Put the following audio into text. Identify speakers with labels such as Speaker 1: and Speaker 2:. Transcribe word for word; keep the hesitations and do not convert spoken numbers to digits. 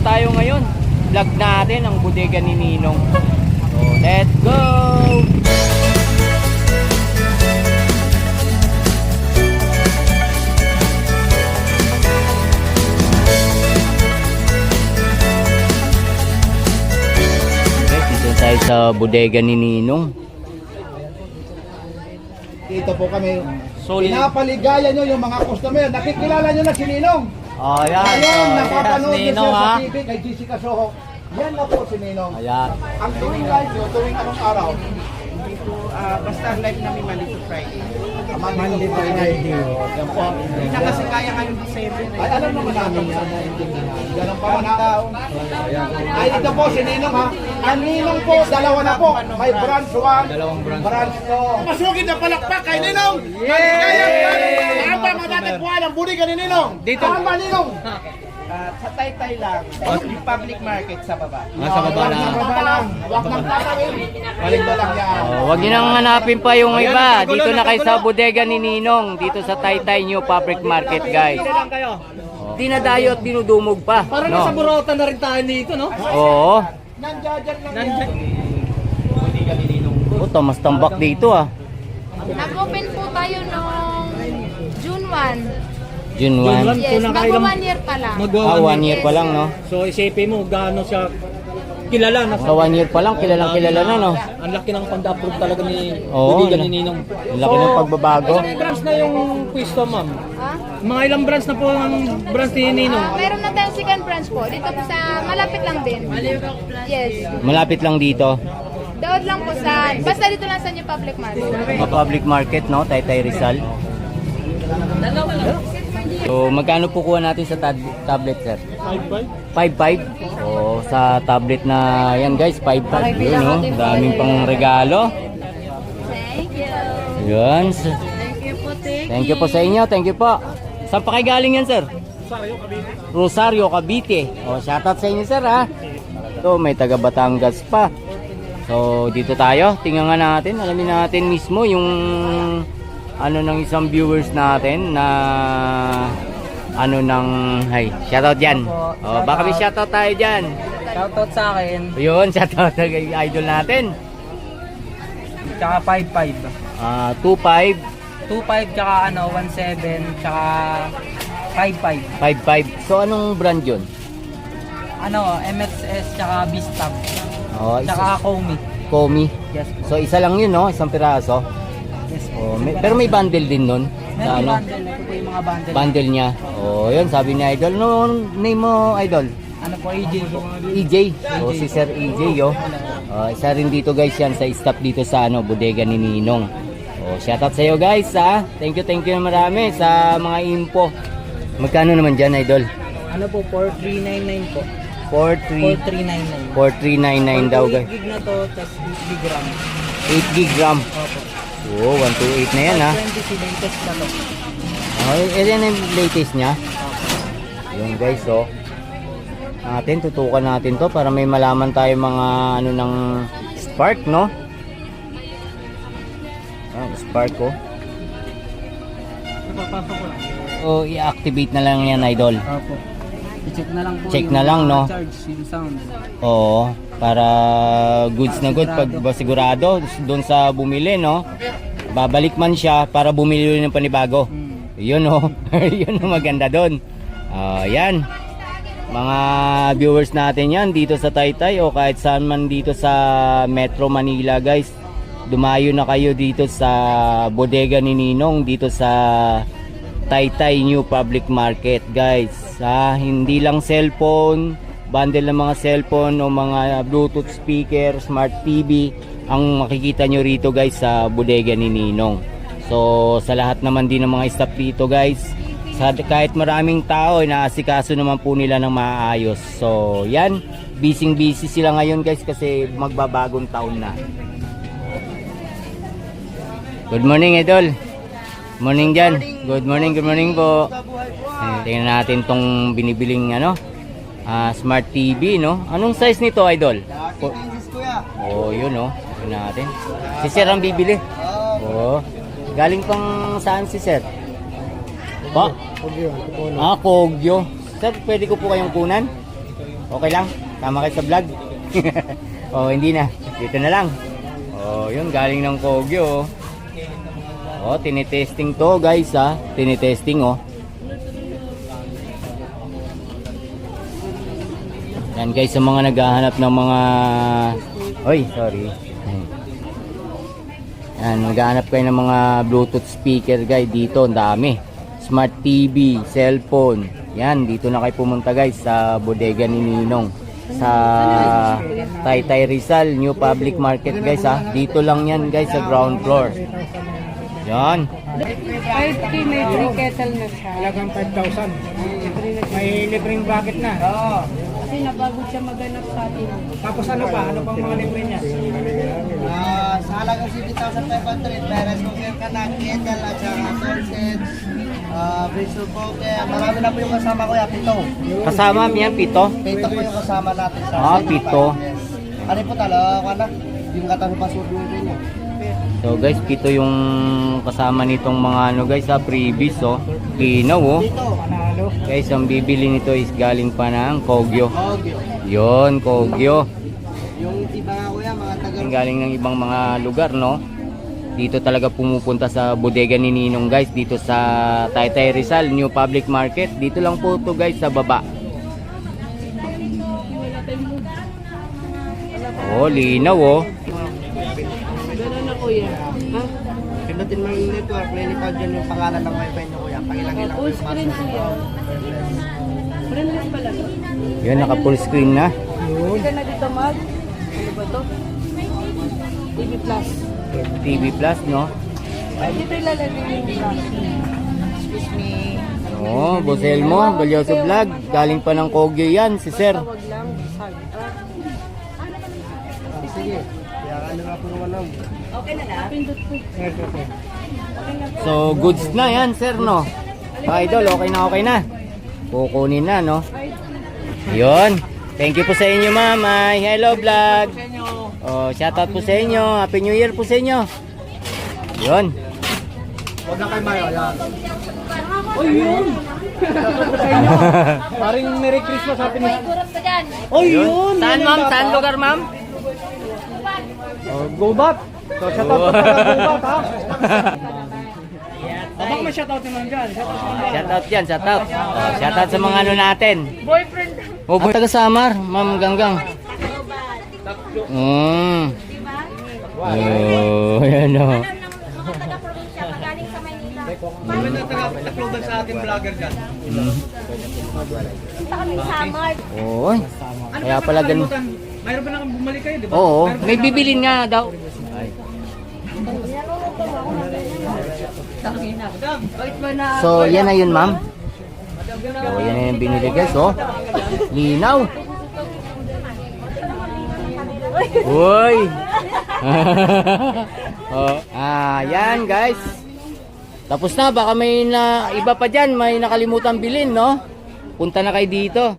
Speaker 1: tayo ngayon. Vlog natin ang bodega ni Ninong. So, let's go! Okay, dito tayo sa bodega ni Ninong.
Speaker 2: Dito po kami.
Speaker 1: Solid.
Speaker 2: Pinapaligaya nyo yung mga customer. Nakikilala nyo na si Ninong.
Speaker 1: Oh, yan.
Speaker 2: Ngayon,
Speaker 1: Oh,
Speaker 2: napapanood
Speaker 1: yes,
Speaker 2: nyo
Speaker 1: Ninong,
Speaker 2: siya
Speaker 1: ha?
Speaker 2: sa T V kay Jessica Soho. Yan na po si Ninong.
Speaker 1: Ayan.
Speaker 2: Ang tuwing live nyo, tuwing anong araw?
Speaker 3: Ah, basta live namin Monday to Friday.
Speaker 2: Monday to Friday. Yan po.
Speaker 3: Hindi na kasi kaya ngayong December.
Speaker 2: Ay, alam naman namin yan. Ganun pa man ha. Ay, ito po si Ninong ha. Ang Ninong po, dalawa na po. May branch one, branch two. Masugid na palakpak kay Ninong. Yay! Ang pa matatagpuan ang budi ka ni Ninong. Dito. Tama Ninong.
Speaker 3: Ah, sa Taytay lang, yung public market sa baba.
Speaker 1: Ah, sa baba na.
Speaker 2: Sa baba lang. Huwag nang tatawin. Dito lang yan.
Speaker 1: Oh, wag niyo nang hanapin pa yung iba. Dito na kayo sa bodega ni Ninong. Dito sa Taytay New Public Market, guys.
Speaker 4: lang kayo.
Speaker 1: Dinadayo at dinudumog pa.
Speaker 4: Parang
Speaker 1: No?
Speaker 4: nasa Burota na rin tayo dito, no?
Speaker 1: Oo.
Speaker 2: Nandiyan lang yan.
Speaker 4: Nandiyan.
Speaker 1: Puto, mas tambak dito ah.
Speaker 5: Nag-open po tayo noong June first.
Speaker 1: June
Speaker 4: June
Speaker 1: first.
Speaker 4: one.
Speaker 5: Yes,
Speaker 4: So, nakailang-
Speaker 5: mag one year pa lang.
Speaker 4: Magwa
Speaker 1: Ah, one year pa lang, no?
Speaker 4: So isipin mo gaano siya kilala na.
Speaker 1: Sa one year pa lang, kilalang kilala na, no?
Speaker 4: Ang laki ng pag-approve talaga ni
Speaker 1: Oo,
Speaker 4: Budigan
Speaker 1: no.
Speaker 4: ni Ninong.
Speaker 1: Ang laki ng pagbabago.
Speaker 4: Ilang branch na yung pwesto, ma'am?
Speaker 5: Ha?
Speaker 4: Mga ilang branch na po ang branch ni Ninong?
Speaker 5: Ah, meron na tayong second branch po. Dito po sa, malapit lang din. Yes.
Speaker 1: Malapit lang dito.
Speaker 5: Doon lang po sa, basta dito lang sa New Public Market.
Speaker 1: Sa public market, no? Taytay Rizal. So, magkano po kuha natin sa tab- tablet, sir? five five. O, sa tablet na yan, guys, five five. Yun, no? Daming pang regalo.
Speaker 5: Thank you.
Speaker 1: Yun.
Speaker 5: Thank you po, Tiki.
Speaker 1: Thank you po sa inyo. Thank you po. Saan pa kayo galing yan, sir? Rosario, Cavite. O, shoutout sa inyo, sir, ha? Ito, may taga Batangas pa. So, dito tayo. Tingnan nga natin. Alamin natin mismo yung ano ng isang viewers natin na ano ng hay, shoutout dyan. O, baka may shoutout tayo dyan.
Speaker 3: Shoutout sa akin,
Speaker 1: Yun, shoutout sa idol natin.
Speaker 3: tsaka five five.
Speaker 1: Ah, two five
Speaker 3: two five tsaka ano, one seven, tsaka five five.
Speaker 1: five five. So, anong brand yun?
Speaker 3: Ano, M X S tsaka Bistab.
Speaker 1: O, isa,
Speaker 3: Tsaka Komi.
Speaker 1: Komi.
Speaker 3: Yes po.
Speaker 1: So, isa lang yun, no? Isang piraso.
Speaker 3: Yes po.
Speaker 1: Oh, may, pero may bundle din nun.
Speaker 3: Meron
Speaker 1: Sa ano?
Speaker 3: bundle. Ito po yung mga bundle.
Speaker 1: Bundle niya. Oh, yun sabi ni Idol. No, name mo Idol?
Speaker 3: Ano po, A J po.
Speaker 1: E J. Oh, si Sir E J, yo. Oh, isa rin dito guys yan sa staff dito sa ano, bodega ni Ninong. Oh, shoutout sa iyo guys, ha. Thank you, thank you na marami sa mga info. Magkano naman diyan, Idol?
Speaker 3: Ano po, four three nine nine po.
Speaker 1: four three
Speaker 3: four three nine nine.
Speaker 1: four three nine nine daw guys.
Speaker 3: gig na to, tas eight gig RAM.
Speaker 1: eight gig RAM.
Speaker 3: Opo.
Speaker 1: Oh, one twenty-eight na yan, ha.
Speaker 3: twenty C latest na to.
Speaker 1: Oh, yan yung latest niya. Yung guys, oh. Natin, tutukan natin to para may malaman tayo mga ano ng spark, no? Ah, spark, oh. Oh, i-activate na lang yan, Idol.
Speaker 3: Opo. I-check na lang po.
Speaker 1: Check
Speaker 3: yung
Speaker 1: na lang, no?
Speaker 3: Charge, yung sound.
Speaker 1: Oo, para goods na good pag ba sigurado doon sa bumili, no? Babalik man siya para bumili ulit ng panibago.
Speaker 3: Hmm.
Speaker 1: Yun, oh. Yun ang maganda doon. Ah, yan. Mga viewers natin yan dito sa Taytay o kahit saan man dito sa Metro Manila, guys. Dumayo na kayo dito sa bodega ni Ninong dito sa Taytay New Public Market, guys. Ah, hindi lang cellphone, bundle ng mga cellphone o mga Bluetooth speaker, smart T V ang makikita nyo rito, guys, sa bodega ni Ninong. So, sa lahat naman din ng mga staff dito, guys, sa kahit maraming tao, inaasikaso naman po nila ng maayos. So, yan, busy busy sila ngayon, guys, kasi magbabagong taon na. Good morning, Idol. Morning dyan. Good morning, good morning po. Eh, tingnan natin tong binibiling ano, ah, smart T V, no? Anong size nito, Idol? Po- oh, yun, no? Tingnan natin. Si Sir ang bibili. Oh. Galing pang saan si Sir? Ba? Ah, Kogyo. Sir, pwede ko po kayong kunan? Okay lang? Tama kayo sa vlog? Oh, hindi na. Dito na lang. Oh, yun galing ng Kogyo. Oh, tinitesting to, guys, ha. Tinitesting, oh. Yan, guys, sa mga naghahanap ng mga Oy, sorry. Yan, naghahanap kayo ng mga Bluetooth speaker, guys. Dito, ang dami. Smart T V, cellphone. Yan, dito na kayo pumunta, guys, sa bodega ni Ninong. Sa Taytay Rizal, New Public Market, guys, ha. Dito lang yan, guys, sa ground floor. Yan.
Speaker 3: five K may free kettle na siya.
Speaker 4: Halagang five thousand. May libreng bracket na.
Speaker 3: Oo. Kasi napagod siya maganap sa atin.
Speaker 4: Tapos ano pa? Ano pang mga libre niya?
Speaker 6: Ah, sa halagang sixty thousand five hundred, meron cooker ka na, kettle at saka sources, ah, bristle poker. Marami na po yung kasama ko, ya, pito.
Speaker 1: Kasama yan, pito.
Speaker 6: Pito po yung kasama natin sa
Speaker 1: Ah, pito.
Speaker 6: Ano po talaga, ano? Yung katabi pa suot yung niya.
Speaker 1: So, guys, pito yung kasama nitong mga ano, guys, ha. Freebies, oh. Linaw, oh.
Speaker 6: Dito,
Speaker 4: Panalo.
Speaker 1: Guys, ang bibili nito is galing pa ng Kogyo.
Speaker 6: Kogyo.
Speaker 1: Yon, Kogyo.
Speaker 6: Yung iba nga kuya, mga taga
Speaker 1: Ang galing ng ibang mga lugar, no? Dito talaga pumupunta sa bodega ni Ninong, guys. Dito sa Taytay Rizal, New Public Market. Dito lang po to, guys, sa baba. Oh, linaw, oh.
Speaker 6: Pindutin mo yung network, lilitaw dyan yung pangalan ng wifi nyo kuya. Pangilang-ilang po yung password.
Speaker 1: Yun, naka full screen na.
Speaker 3: Hindi ka na dito mag. Ano ba to? T V Plus.
Speaker 1: T V Plus, no?
Speaker 3: Dito ilalagay yung plus. Excuse me.
Speaker 1: Oh, Bosel mo, Balyoso Vlog. Galing pa ng Kogyo yan, si Sir.
Speaker 3: Tawag lang. Sag.
Speaker 6: Sige, kaya ano nga po naman lang.
Speaker 3: Pindot ko.
Speaker 1: So, goods na yan, Sir, no? Mga idol, okay na, okay na. Kukunin na, no? Yun. Thank you po sa inyo, ma'am. Ay, hello, vlog. Oh, shoutout po sa inyo. Happy New Year po sa inyo. Yun.
Speaker 6: Huwag na kayo mayo, yan.
Speaker 4: Paring Merry Christmas, Happy New Year.
Speaker 1: Oh, yun. Saan, ma'am? Saan lugar, ma'am?
Speaker 4: Oh, go back. So, shout out po pala, go back, ha? Baka may shout out naman dyan. Shout out naman dyan.
Speaker 1: Shoutout dyan, shoutout. Oh, shoutout sa mga ano natin.
Speaker 3: Boyfriend.
Speaker 1: Oh, boy. Taga Samar, ma'am Ganggang. Mm. Oh, yan o.
Speaker 4: May nagtakloban sa ating vlogger dyan.
Speaker 1: Oo. Kaya pala ganun.
Speaker 4: Mayroon ba nang bumalik kayo, di ba?
Speaker 1: Oo, may bibilin nga daw. Ay. So, yan na yun, ma'am. So, yan na yung binili, guys, oh. Linaw. Uy. Oh, ah, yan, guys. Tapos na, baka may na, iba pa dyan, may nakalimutan bilhin, no? Punta na kayo dito.